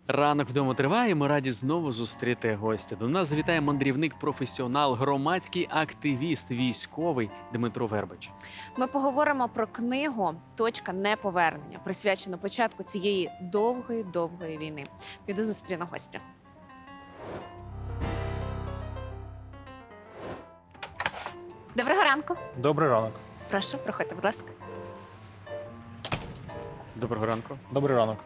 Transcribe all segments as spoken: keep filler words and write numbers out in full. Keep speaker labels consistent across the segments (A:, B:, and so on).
A: Ранок вдома триває. Ми раді знову зустріти гостя. До нас завітає мандрівник, професіонал, громадський активіст, військовий Дмитро Вербич.
B: Ми поговоримо про книгу Точка неповернення, присвячену початку цієї довгої довгої війни. Піду зустріну гостя. Доброго ранку.
C: Добрий ранок.
B: Прошу, проходьте, будь ласка.
A: Доброго ранку.
C: Добрий ранок.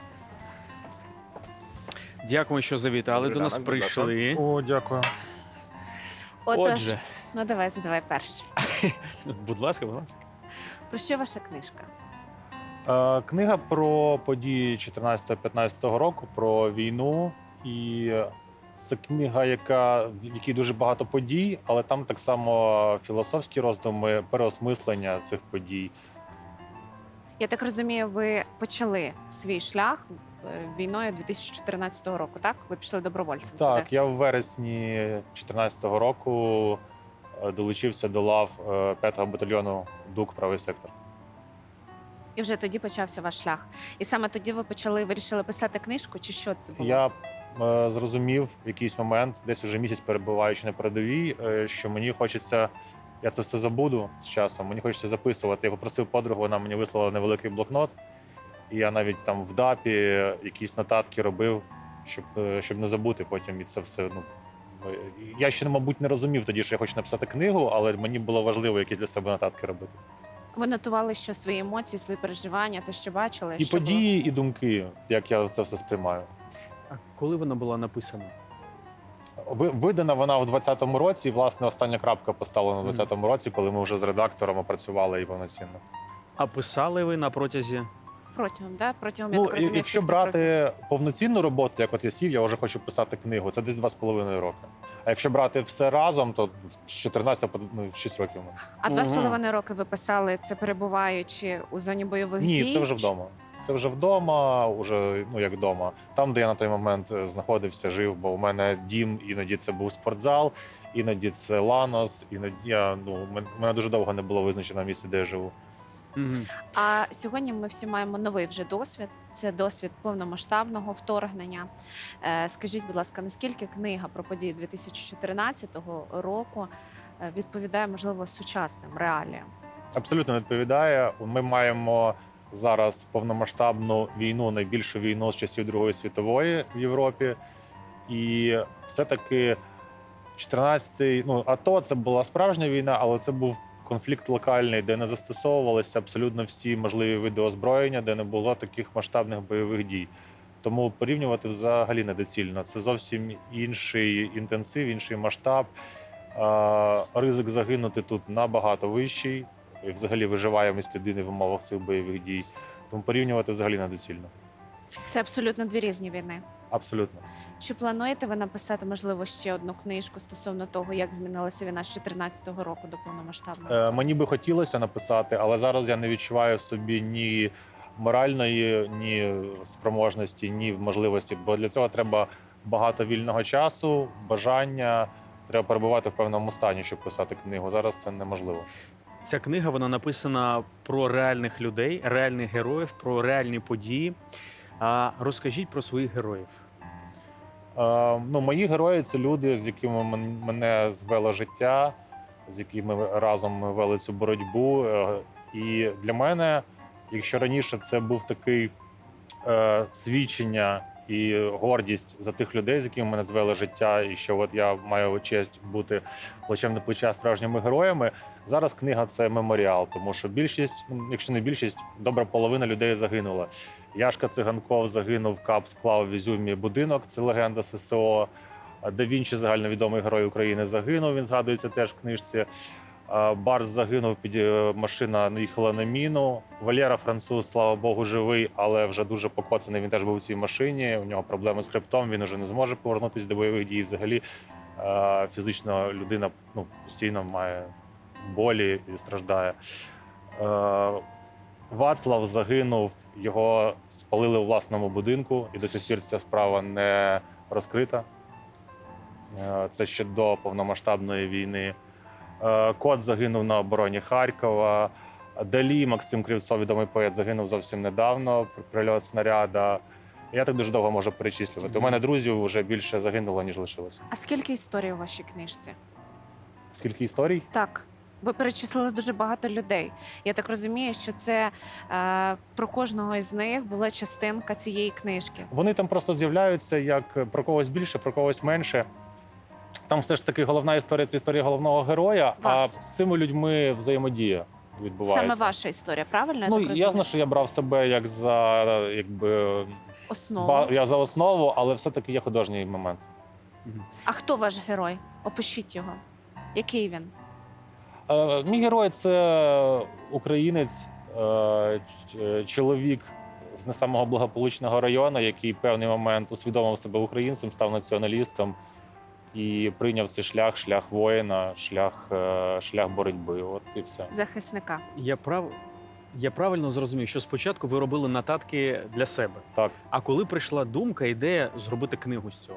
A: Дякую, що завітали.
D: Добрий
A: До нас
D: ранок, будь ласка.
A: прийшли.
C: О, дякую.
B: Отож,
A: Отже,
B: ну давай, задавай перше.
A: будь ласка, будь ласка.
B: Про що ваша книжка?
C: Е, книга про події чотирнадцятого-п'ятнадцятого року, про війну. І це книга, яка, в якій дуже багато подій, але там так само філософські роздуми, переосмислення цих подій.
B: Я так розумію, ви почали свій шлях е, війною дві тисячі чотирнадцятого року, так? Ви пішли добровольцем туди?
C: Так, я в вересні дві тисячі чотирнадцятого року е, долучився до лав е, п'ятого батальйону ДУК «Правий сектор».
B: І вже тоді почався ваш шлях. І саме тоді ви почали, вирішили писати книжку, чи що це було?
C: Я е, зрозумів в якийсь момент, десь уже місяць перебуваючи на передовій, е, що мені хочеться, я це все забуду з часом, мені хочеться записувати. Я попросив подругу, вона мені вислала невеликий блокнот, і я навіть там в ДАПі якісь нотатки робив, щоб, е, щоб не забути потім і це все. Ну, е, я ще, мабуть, не розумів тоді, що я хочу написати книгу, але мені було важливо якісь для себе нотатки робити.
B: Ви нотували, що свої емоції, свої переживання, те, що бачили?
C: І
B: що було?
C: події, і думки, як я це все сприймаю.
A: А коли вона була написана?
C: Ви- Видана вона в двадцятому році, і, власне, остання крапка поставлена в двадцятому році, коли ми вже з редактором працювали і повноцінно.
A: А писали ви на протязі?
B: Протягом, да? Протягом, я
C: Ну,
B: так
C: і-
B: розумію,
C: якщо
B: всіх цих років.
C: брати повноцінну роботу, як от я сів, я вже хочу писати книгу, це десь два з половиною роки. А якщо брати все разом, то з чотирнадцятого по ну, шість років.
B: А два з
A: Мгм.
B: половиною роки ви писали це, перебуваючи у зоні бойових дій?
C: Ні, це вже вдома. Це вже вдома, уже, ну як вдома. Там, де я на той момент е, знаходився, жив, бо у мене дім, іноді це був спортзал, іноді це Ланос, іноді я, ну, мен- у мене дуже довго не було визначено місце, де я живу.
A: Мгм.
B: А сьогодні ми всі маємо новий вже досвід. Це досвід повномасштабного вторгнення. Е, Скажіть, будь ласка, наскільки книга про події дві тисячі чотирнадцятого року е, відповідає, можливо, сучасним реаліям?
C: Абсолютно відповідає. Ми маємо зараз повномасштабну війну, найбільшу війну з часів Другої світової в Європі. І все-таки чотирнадцятий, ну, АТО це була справжня війна, але це був конфлікт локальний, де не застосовувалися абсолютно всі можливі види озброєння, де не було таких масштабних бойових дій. Тому порівнювати взагалі недоцільно. Це зовсім інший інтенсив, інший масштаб. А, Ризик загинути тут набагато вищий. І взагалі виживаємість людини в умовах цих бойових дій. Тому порівнювати взагалі недоцільно.
B: Це абсолютно дві різні війни.
C: Абсолютно.
B: Чи плануєте ви написати, можливо, ще одну книжку стосовно того, як змінилася війна з чотирнадцятого року до повномасштабного?
C: Е, Мені би хотілося написати, але зараз я не відчуваю в собі ні моральної, ні спроможності, ні можливості. Бо для цього треба багато вільного часу, бажання. Треба перебувати в певному стані, щоб писати книгу. Зараз це неможливо.
A: Ця книга вона написана про реальних людей, реальних героїв, про реальні події. А розкажіть про своїх героїв.
C: Е, ну, мої герої це люди, з якими мен- мене звело життя, з якими ми разом ми вели цю боротьбу. Е, і для мене, якщо раніше це був такий е, свідчення і гордість за тих людей, з якими мене звело життя, і що от я маю честь бути плечем до плеча справжніми героями. Зараз книга це меморіал, тому що більшість, ну, якщо не більшість, добра половина людей загинула. Яшка Циганков загинув, кап склав в Ізюмі будинок, це легенда ССО. Да Вінчі, загальновідомий герой України, загинув, він згадується теж в книжці. Барс загинув, під е, машина наїхала на міну. Валєра француз, слава Богу, живий, але вже дуже покоцаний. Він теж був у цій машині. У нього проблеми з хребтом, він вже не зможе повернутися до бойових дій. Взагалі е, фізично людина, ну, постійно має болі і страждає. Е, Вацлав загинув, його спалили у власному будинку, і до сих пір ця справа не розкрита. Е, Це ще до повномасштабної війни. Е, Кот загинув на обороні Харкова. Далі Максим Кривцов, відомий поет, загинув зовсім недавно при прильот снаряда. Я так дуже довго можу перечислювати. У
A: Мгм.
C: мене друзів вже більше загинуло, ніж лишилося.
B: А скільки історій у вашій книжці?
C: Скільки історій?
B: Так. Ви перечислили дуже багато людей. Я так розумію, що це е, про кожного із них була частинка цієї книжки.
C: Вони там просто з'являються як про когось більше, про когось менше. Там все ж таки головна історія це історія головного героя,
B: Вас.
C: а з цими людьми взаємодія відбувається.
B: Саме ваша історія, правильно?
C: Ну,
B: я так розумію?
C: ясно, що я брав себе як за якби
B: Основу.
C: ба- я за основу, але все-таки є художній момент.
A: Мгм.
B: А хто ваш герой? Опишіть його. Який він?
C: Е, мій герой це українець, е, ч- чоловік з не самого благополучного району, який в певний момент усвідомив себе українцем, став націоналістом і прийняв цей шлях, шлях воїна, шлях, е, шлях боротьби. От і все.
B: Захисника.
A: Я прав... Я правильно зрозумів, що спочатку ви робили нотатки для себе.
C: Так.
A: А коли прийшла думка, ідея зробити книгу з цього?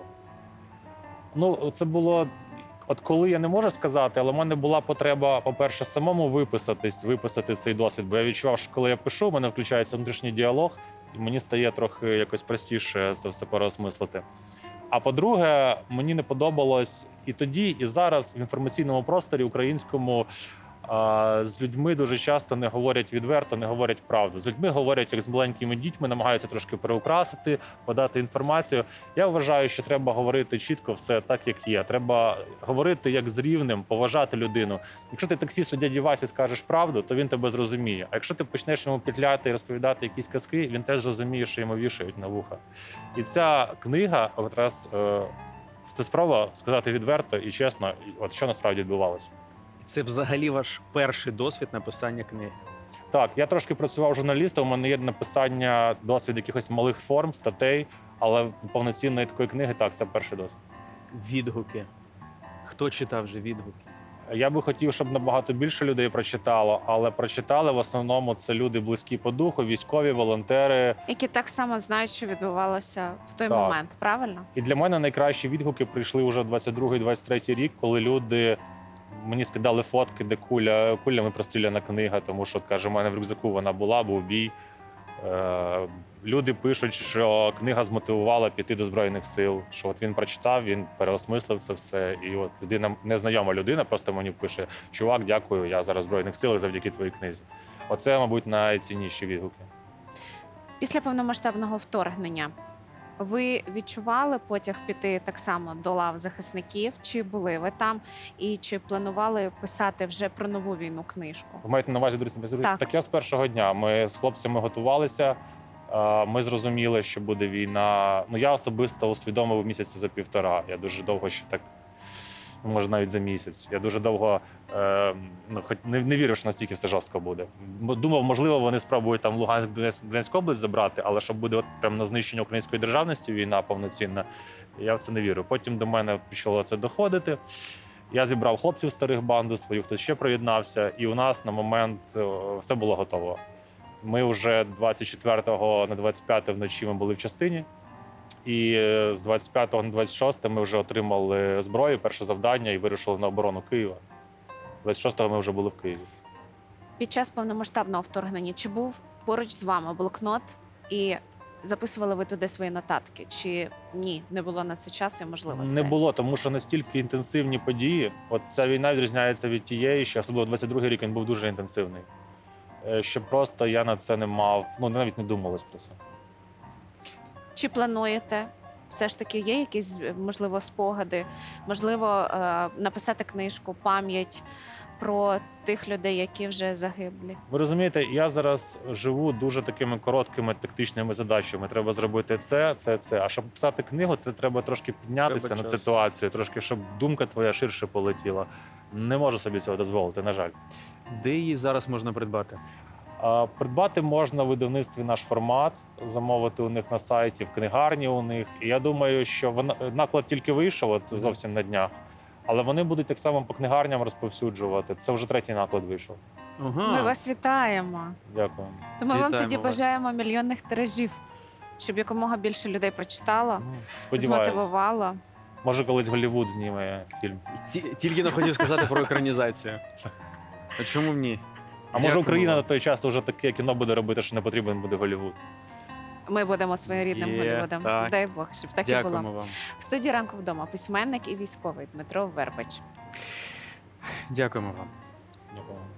C: Ну, це було. От коли я не можу сказати, але в мене була потреба, по-перше, самому виписатись, виписати цей досвід. Бо я відчував, що коли я пишу, в мене включається внутрішній діалог, і мені стає трохи якось простіше це все переосмислити. А по-друге, мені не подобалось і тоді, і зараз в інформаційному просторі українському а, з людьми дуже часто не говорять відверто, не говорять правду. З людьми говорять як з маленькими дітьми, намагаються трошки переукрасити, подати інформацію. Я вважаю, що треба говорити чітко все так, як є. Треба говорити як з рівним, поважати людину. Якщо ти таксісту дяді Васі скажеш правду, то він тебе зрозуміє. А якщо ти почнеш йому петляти і розповідати якісь казки, він теж зрозуміє, що йому вішають на вуха. І ця книга якраз е, це спроба сказати відверто і чесно, от що насправді відбувалося.
A: Це взагалі ваш перший досвід написання книги.
C: Так, я трошки працював журналістом, у мене є написання, досвід якихось малих форм, статей, але повноцінної такої книги, так, це перший досвід.
A: Відгуки. Хто читав вже відгуки?
C: Я би хотів, щоб набагато більше людей прочитало, але прочитали в основному це люди близькі по духу, військові, волонтери.
B: Які так само знають, що відбувалося в той
C: Так.
B: момент, правильно?
C: І для мене найкращі відгуки прийшли вже двадцять другий двадцять третій рік, коли люди мені скидали фотки, де куля, кулями простріляна книга, тому що, от, каже, у мене в рюкзаку вона була, був бій. Е, люди пишуть, що книга змотивувала піти до Збройних сил, що от він прочитав, він переосмислив це все. І от людина, незнайома людина, просто мені пише: чувак, дякую, я зараз в Збройних силах завдяки твоїй книзі. Оце, мабуть, найцінніші відгуки.
B: Після повномасштабного вторгнення ви відчували потяг піти так само до лав захисників? Чи були ви там? І чи планували писати вже про нову війну книжку?
C: Ви маєте на увазі, друзі,
B: Так.
C: так я з першого дня. Ми з хлопцями готувалися. е, Ми зрозуміли, що буде війна. Ну, я особисто усвідомив місяці за півтора. Я дуже довго ще так, ну, може, навіть за місяць. Я дуже довго е, ну, хоч не, не вірив, що настільки все жорстко буде. М- Думав, можливо, вони спробують там Луганськ, Донецьк, Донецьку область забрати, але щоб буде от прямо на знищення української державності війна повноцінна, я в це не вірю. Потім до мене почало це доходити. Я зібрав хлопців старих банду свою, хтось ще приєднався, і у нас на момент е, все було готово. Ми вже двадцять четвертого на двадцять п'яте вночі ми були в частині, і е, з двадцять п'ятого на двадцять шосте ми вже отримали зброю, перше завдання і вирушили на оборону Києва. двадцять шостого ми вже були в Києві.
B: Під час повномасштабного вторгнення чи був поруч з вами блокнот і записували ви туди свої нотатки? Чи ні, не було на це часу і можливостей?
C: Не було, тому що настільки інтенсивні події. От ця війна відрізняється від тієї, що особливо двадцять другий рік він був дуже інтенсивний. Е, Що просто я на це не мав, ну навіть не думалось про це.
B: Чи плануєте? Все ж таки є якісь, можливо, спогади, можливо, е, написати книжку, пам'ять про тих людей, які вже загиблі?
C: Ви розумієте, я зараз живу дуже такими короткими тактичними задачами. Треба зробити це, це, це. А щоб писати книгу, це треба трошки піднятися
A: Треба
C: над
A: часу.
C: ситуацією, трошки, щоб думка твоя ширше полетіла. Не можу собі цього дозволити, на жаль.
A: Де її зараз можна придбати?
C: А, Придбати можна в видавництві наш формат, замовити у них на сайті, в книгарні у них. І я думаю, що вона наклад тільки вийшов от
A: Мгм.
C: зовсім на днях. Але вони будуть так само по книгарням розповсюджувати. Це вже третій наклад вийшов.
A: Ага.
B: Ми вас вітаємо.
C: Дякую.
B: Тому вам
A: Вітаємо
B: тоді
A: вас.
B: бажаємо мільйонних тиражів, щоб якомога більше людей прочитало,
C: Ну, Сподіваюсь.
B: змотивувало.
C: Може, колись Голлівуд зніме фільм.
A: Ті- Тільки не хотів сказати про екранізацію. А чому б ні?
C: А може
A: Дякую
C: Україна
A: вам.
C: на той час вже таке кіно буде робити, що не потрібен буде Голлівуд.
B: Ми будемо своєрідним
A: Є,
B: Голлівудом.
A: так.
B: Дай Бог, щоб так і
A: Дякуємо
B: було.
A: вам.
B: В студії ранку вдома письменник і військовий Дмитро Вербич.
A: Дякуємо вам.
C: Дякую.